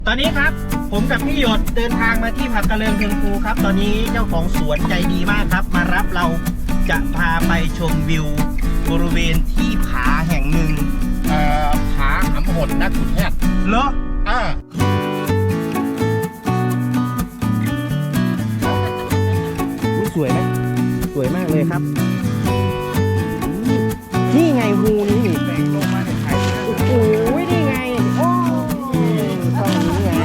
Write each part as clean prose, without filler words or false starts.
ตอนนี้ครับผมกับพี่หยดเดินทางมาที่ผักกระเลิงเทิงภูครับตอนนี้เจ้าของสวนใจดีมากครับมารับเราจะพาไปชมวิวบริเวณที่ผาแห่งหนึ่งผาหำหดนักขุดแฮดเหรอสวยไหมสวยมากเลยครับนี่ไงฮูนี่แสงลงมาในไทยโอ้โหนี่ไงโอ้ตรงนี้ไง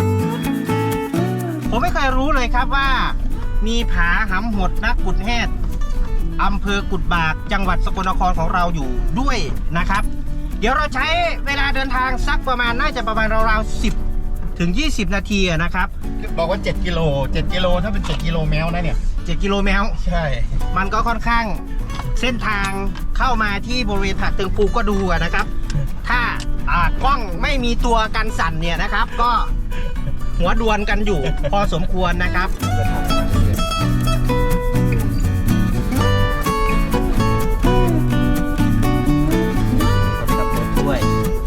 ผมไม่เคยรู้เลยครับว่ามีผาหำหดนักขุดแฮดอำเภอกุดบากจังหวัดสกลนครของเราอยู่ด้วยนะครับเดี๋ยวเราใช้เวลาเดินทางสักประมาณน่าจะประมาณราวๆ10 ถึง 20 นาทีนะครับบอกว่า7 กิโลถ้าเป็น7 กิโลแมวนะเนี่ย 7 กิโลแมวใช่มันก็ค่อนข้างเส้นทางเข้ามาที่บริเวณผักเติงภูก็ดูนะครับถ้ากล้องไม่มีตัวกันสั่นเนี่ยนะครับก็หัวดวนกันอยู่ พอสมควรนะครับด้วย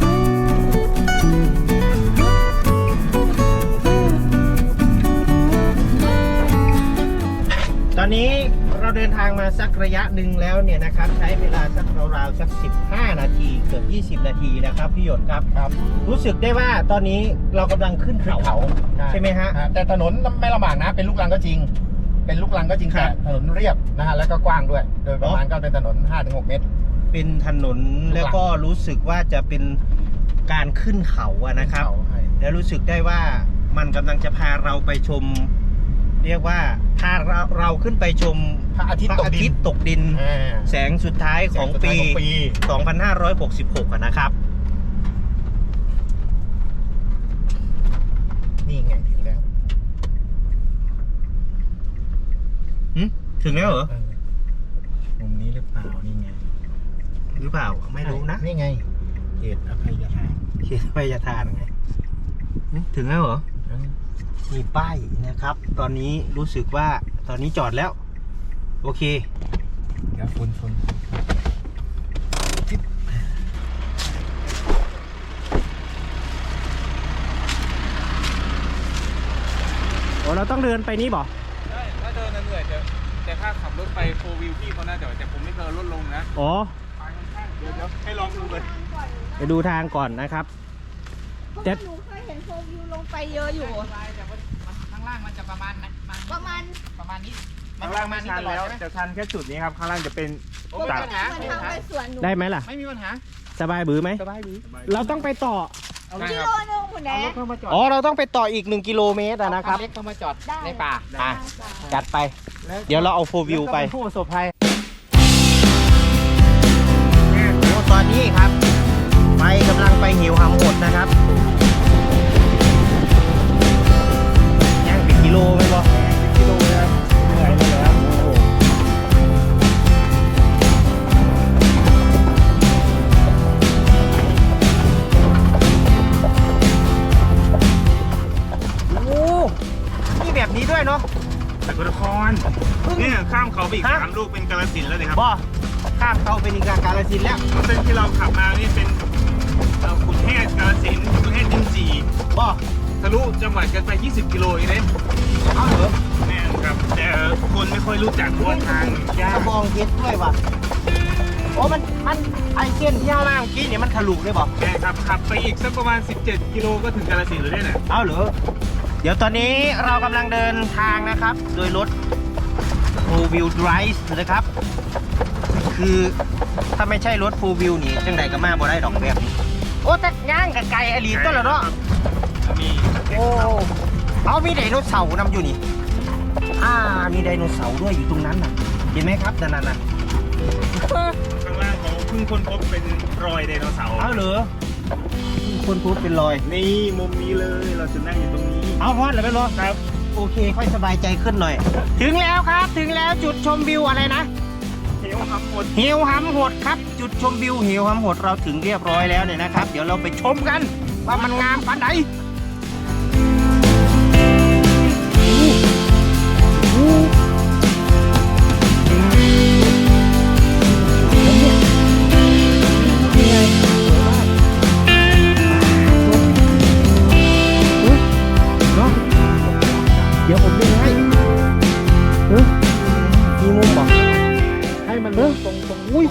ตอนนี้เราเดินทางมาสักระยะหนึ่งแล้วเนี่ยนะครับใช้เวลาสักราวๆสัก15 นาทีเกือบ20 นาทีนะครับพี่หยดครับรู้สึกได้ว่าตอนนี้เรากำลังขึ้นเขาใช่ไหมฮะแต่ถนนไม่ลำบากนะเป็นลูกรังก็จริงแต่ถนนเรียบนะฮะแล้วก็กว้างด้วยโดยประมาณก็เป็นถนน 5-6 เมตรเป็นถนนแล้วก็รู้สึกว่าจะเป็นการขึ้นเขาอะนะครับแล้วรู้สึกได้ว่ามันกำลังจะพาเราไปชมเรียกว่าถ้าเราขึ้นไปชมพระอาทิตย์ตกดินแสงสุดท้ายของปี 2566นะครับนี่ไงถึงแล้วถึงแล้วเหรอมุมนี้หรือเปล่านี่ไงหรือเปล่าไม่รู้นะนี่ไงเขตอภัยทานไงถึงแล้วเหรอมีป้ายนะครับตอนนี้รู้สึกว่าตอนนี้จอดแล้วโอเคเดี๋ยวฝนเราต้องเดินไปนี่บ่ใช่ถ้าเดินเหนื่อยแต่ถ้าขับรถไปโฟวิวพี่เขาน่าจะแต่ผมไม่เคยลดลงนะอ๋อเดี๋ยวให้ลองดูเลยไปดูทางก่อนนะครับแต่หนูเคยเห็นโฟวิวลงไปเยอะอยู่แต่ข้างล่างมันจะประมาณนี้ข้างล่างไม่ชันแล้วจะชันแค่จุดนี้ครับข้างล่างจะเป็นตัดได้ไหมล่ะไม่มีปัญหาสบายบื้อไหมสบายบื้อเราต้องไปต่อกิโลนึงคุณแม่อ๋อเราต้องไปต่ออีก1 กิโลเมตรนะครับเล็กเข้ามาจอดในป่าจัดไปเดี๋ยวเราเอาโฟวิวไปผู้ประสบภัยตอนนี้ครับไปกำลังไปหิวหำหดนะครับย่างเป็นกิโลไหมบ่กิโลนะครับเหนื่อยเลยครับโอ้นี่แบบนี้ด้วยเนาะสกลนครเนี่ยข้ามเขาไปอีก3 ลูกเป็นกาฬสินธุ์แล้วเลยครับบ่ข้ามเขาเป็นอีกกาฬสินธุ์แล้วเส้นที่เราขับมานี่เป็นขุนแห่กาฬสินธุ์ขุนแห่ดินจีบ่ทะลุจังหวัดกันไป20 กิโลเองเลยเอาเหรอแน่ครับแต่คนไม่ค่อยรู้จักว่าทางยากมองเห็นด้วยว่ะโอ้มันไอเส้นที่มากเมื่อกี้เนี่ยมันทะลุเลยบ่ใช่ครับขับไปอีกสักประมาณ17 กิโลก็ถึงกาฬสินธุ์เลยเนี่ยเอาเหรอเดี๋ยวตอนนี้เรากำลังเดินทางนะครับโดยรถ 4 wheel drive นะครับคือถ้าไม่ใช่รถ 4 wheel นี่จังใดก็มาบ่ได้ดอกแบบนี้โอ้แต่ย่างกับไก่อลีก็แล้วเนาะมีโอ้เอามีไดโนเสาร์นำอยู่นี่มีไดโนเสาร์ด้วยอยู่ตรงนั้นน่ะเห็นไหมครับนั่นข้างล่างเขาเพิ่งค้นพบเป็นรอยไดโนเสาร์เอาเหรอคนพูดเป็นรอยนี่มุมนี้เลยเราจะนั่งอยู่ตรงนี้เอาพอดเลยไหมรอครับโอเคค่อยสบายใจขึ้นหน่อยถึงแล้วครับถึงแล้วจุดชมวิวอะไรนะเหวหำหดครับจุดชมวิวเหวหำหดเราถึงเรียบร้อยแล้วเนี่ยนะครับเดี๋ยวเราไปชมกันว่ามันงามปานใด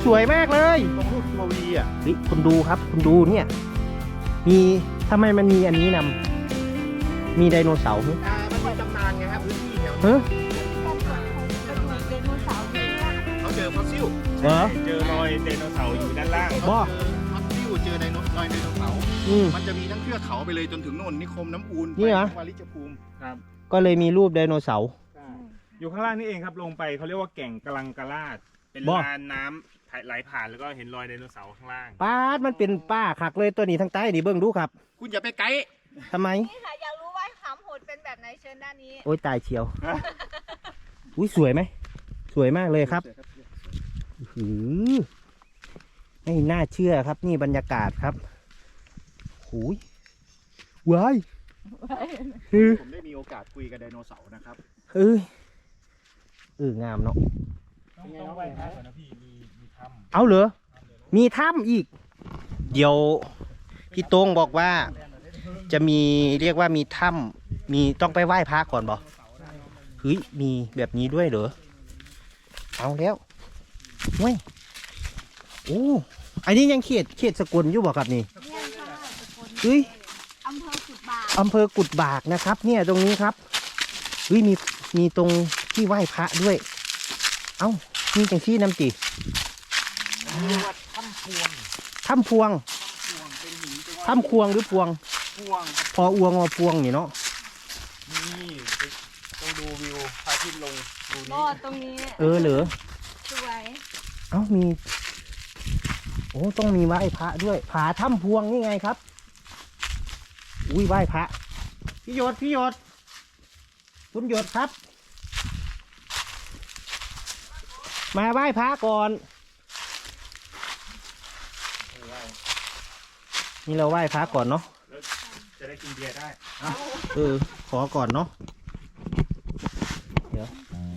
สวยมากเลยตรงรูปตัววีอ่ะเฮ้ยคุณดูครับคุณดูเนี่ย มีทำไมมันมีอันนี้นำมีไดโนเสาร์ไหมมันมีตำนานไงครับพื้นที่แถวเฮ้ยไดโนเสาร์นี่ล่ะเขาเจอฟอสซิลเหรอเจอรอยไดโนเสาร์อยู่ด้านล่างบ่ฟอสซิลเจอรอยไดโนเสาร์อืมมันจะมีทั้งเทือกเขาไปเลยจนถึงโน่นนิคมน้ำอูนนี่เหรอวาริชภูมิครับก็เลยมีรูปไดโนเสาร์อยู่ข้างล่างนี่เองครับลงไปเขาเรียกว่าแก่งกะลังกะลาด เป็นบ่ลานน้ำไหลผ่านแล้วก็เห็นรอยไดโนเสาร์ข้างล่างป้าดมันเป็นป้าคักเลยตัวนี้ทางใต้นี่เบิ่งดูครับคุณอย่าไปไกด์ทำไมนี่ค่ะอยากรู้ว่าหำโหดเป็นแบบไหนเชิญด้านนี้โอ้ยตายเชียว อุ้ยสวยไหม สวยมากเลยครับหือไม่น่าเชื่อครับ นี่บรรยากาศครับหูยว้ายฮือผมได้มีโอกาสคุยกับไดโนเสาร์นะครับเอ้ยงามเนาะต้องไหว้พระก่อนนะพี่มีถ้ำเอาเหรอ มีถ้ำอีก เดี๋ยวพี่โต้งบอกว่า จะมีเรียกว่ามีถ้ำมีต้องไปไหว้พระก่อนบอกเฮ้ยมีแบบนี้ด้วยเหรอ เอาแล้วเว้ยโอ้อันนี้ยังเขตสกลอยู่บอกครับนี่เนี่ยค่ะสกลเฮ้ยอำเภอกุดบากอำเภอกุดบากนะครับ เนี่ยตรงนี้ครับเฮ้ยมีตรงที่ไหว้พระด้วย เอ้ามีจังที่น้ำจีเรียกว่าถ้ำพวงถ้ำพวงเป็นหินเป็นถ้ำควงหรือพวงพวงพออวงอพวงนี่เนาะนี่ต้องดูวิวพระอาทิตย์ลงดูก็นี้ตรงนี้เหรอสวยเอ้ามี โอ้ต้องมีไหว้พระด้วยผาถ้ำพวงนี่ไงครับ อุ้ยไหว้พระพี่หยดคุณหยดครับ มาไหว้พระก่อน นี่เราไหว้พระก่อนเนาะจะได้กินเบียร์ได้ขอก่อนเนาะเดี๋ยว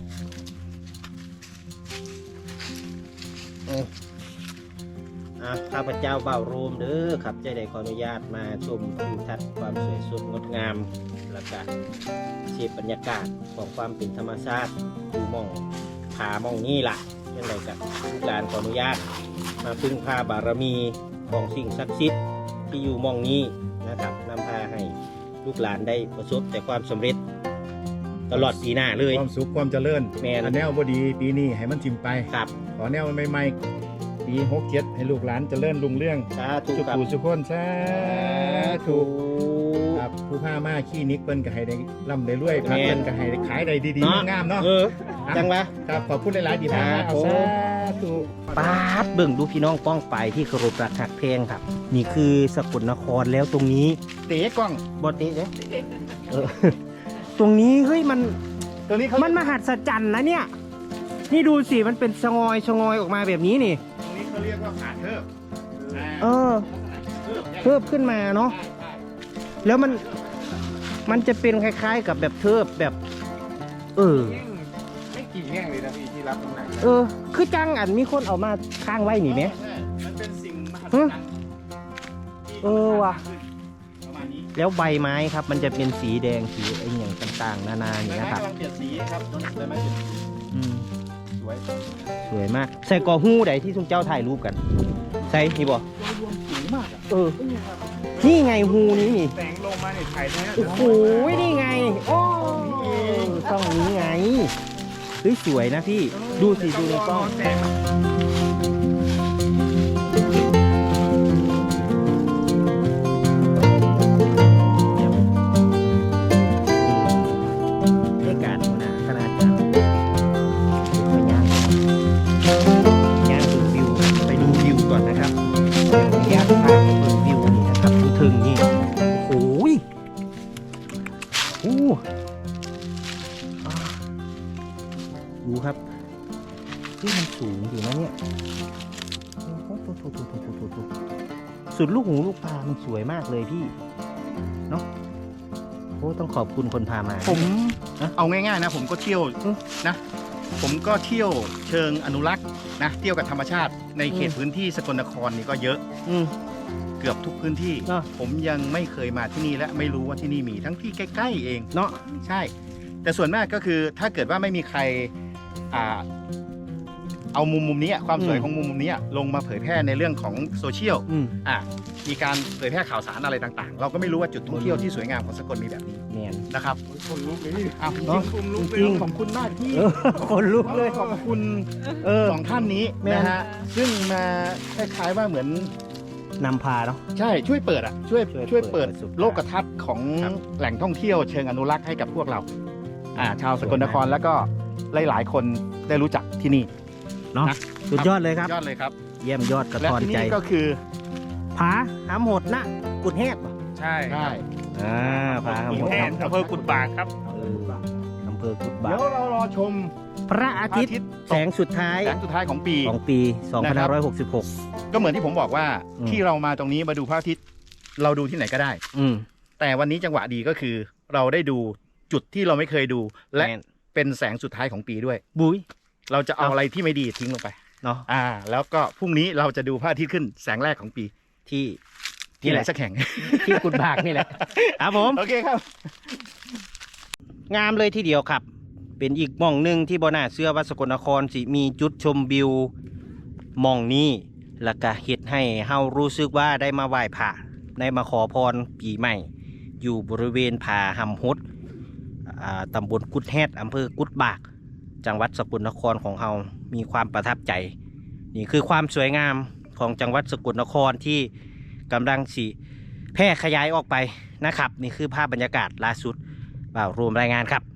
ข้าพเจ้าเบ่าวโรมเด้อครับใจได้ขออนุญาตมาชมทิวทัศน์ความสวยสดงดงาม แล้วก็เสียบรรยากาศของความเป็นธรรมชาติดูมองผามองนี่ล่ะยังไงกับลูกหลานขออนุญาต มาพึ่งพาบารมีของสิ่งศักดิ์สิทธิ์ที่อยู่มองนี้นะครับนำพาให้ลูกหลานได้ประสบแต่ความสำเร็จ ตลอดปีหน้าเลยความสุขความเจริญแม่นอันแนวบดีปีนี้ให้มันทิมไปครับขอแนวใหม่ๆปี67ให้ลูกหลานเจริญรุ่งเรื่องสาธุสุครับขุสุขคนสาธุครับผู้ผ้ามาขี้นิกเปิ้นก็ให้ได้ร่ำได้รวยพักเปิ้นก็ให้ได้ขายได้ดีๆงามๆเนาะจังวะครับขอบคุณหลายๆดีมากครับเอาผมสาธุปาดเบิ่งดูพี่น้องป้องไปที่เคารพรักหักเพลงครับ นี่คือสกลนครแล้วตรงนี้เต๋กล้องบอเตะเด้ตรงนี้เฮ้ยมันตัวนี้เขามันมหัศจรรย์นะเนี่ย นี่ดูสิมันเป็นชะงอยออกมาแบบนี้นี่ตรงนี้เขาเรียกว่าผาเทิบเทิบขึ้นมาเนาะ แล้วมันจะเป็นคล้ายๆกับแบบเทิบแบบไม่กี่แง่งเลยนะพี่ที่รับน้ำหนักคือจังอันมีคนเอามาข้างไว้นี่ไหมใช่มันเป็นสิ่งมหัศจรรย์ที่ว่ะประมาณนี้แล้วใบไม้ครับ มันจะเป็นสีแดงสีไอ้อย่างต่างๆ นานาอย่างใบนี้ไม้นะครับกำลังเปลี่ยนสีครับใบไม้เปลี่ยนสีอืมสวยสวยมาก ใส่กอหู้ใดที่ทุกเจ้าถ่ายรูปกัน ใส่นี่บ่รวมสูงมากอ่ะนี่ไงหูนี้นี่แสงลงมาเนี่ยถ่ายได้โอ้โหนี่ไง โอ้ช่องนี้ไงเฮ้ยสวยนะพี่ ดูสิดูในกล้องแสงให้การหัวหน้าขนาดนั้นไปย่างดูวิวไปดูวิวก่อนนะครับเดี๋ยวขออนุญาตพาไปเบิ่งวิวนี่นะครับถึงนี่โอ้โหดูครับที่มันสูงอยู่นะเนี่ยสุดลูกหูลูกตามันสวยมากเลยพี่เนาะโอ้ต้องขอบคุณคนพามาผมเอาง่ายๆนะ ผมก็เที่ยวนะ ผมก็เที่ยวเชิงอนุรักษ์นะเที่ยวกับธรรมชาติในเขตพื้นที่สกลนครนี่ก็เยอะอืมเกือบทุกพื้นที่เนอะผมยังไม่เคยมาที่นี่และไม่รู้ว่าที่นี่มีทั้งที่ใกล้ๆเองเนาะใช่ แต่ส่วนมากก็คือถ้าเกิดว่าไม่มีใครเอามุมนี้ความสวยของมุมนี้ลงมาเผยแพร่ในเรื่องของโซเชียล มีการเผยแพร่ข่าวสารอะไรต่างๆ เราก็ไม่รู้ว่าจุดท่องเที่ยวที่สวยงามของสกลมีแบบนี้เนี่ยนะครับคนลุกเลยนี่อ้าวเนอะคนลุกเลยจริงขอบคุณมากที่คนลุกเลยขอบคุณสองท่านนี้แม่นนะฮะซึ่งมาคล้ายๆว่าเหมือนนำพาเนาะใช่ช่วยเปิดอ่ะช่วยช่วยเปิเปิดดประสบการณ์โลกทัศน์ของครับแหล่งท่องเที่ยวเชิงอนุรักษ์ให้กับพวกเราชาวสกลนครแล้วก็หลายๆคนได้รู้จักที่นี่เนาะนะสุดยอดเลยครับยอดเลยครับเยี่ยมยอดกระและทอนที่ใจนี่ก็คือผาหำโหดนะกุดแฮดป่ะใช่ใช่ผาหำโหดแทนอำเภอกุดบากครับอำเภอกุดบาเดี๋ยวเรารอชมพระอาทิตย์แสงสุดท้ายแสงสุดท้ายของปีของปี 2566 ก็เหมือนที่ผมบอกว่าอืมที่เรามาตรงนี้มาดูพระอาทิตย์เราดูที่ไหนก็ได้อืมแต่วันนี้จังหวะดีก็คือ เราได้ดูจุดที่เราไม่เคยดู และแม่นเป็นแสงสุดท้ายของปีด้วยบุ้ยเราจะเอาอะไรที่ไม่ดีทิ้งลงไปเนาะแล้วก็พรุ่งนี้เราจะดูพระอาทิตย์ขึ้นแสงแรกของปีที่ที่ไหนแหละสักแห่งที่กุดบากนี่แหละครับผมโอเคครับงามเลยทีเดียวครับ เป็นอีกหม่องหนึ่งที่บ่น่าเชื่อว่าสกลนครสิมีจุดชมวิวหม่องนี้แล้วก็เฮ็ดให้เฮารู้สึกว่าได้มาไหว้พระได้มาขอพรปีใหม่ อยู่บริเวณผาหำฮดตำบลกุดแฮดอำเภอกุดบาก จังหวัดสกลนครของเฮามีความประทับใจ นี่คือความสวยงามของจังหวัดสกลนครที่กำลังสิแพร่ขยายออกไปนะครับ นี่คือภาพบรรยากาศล่าสุดบ่าวรวมรายงานครับ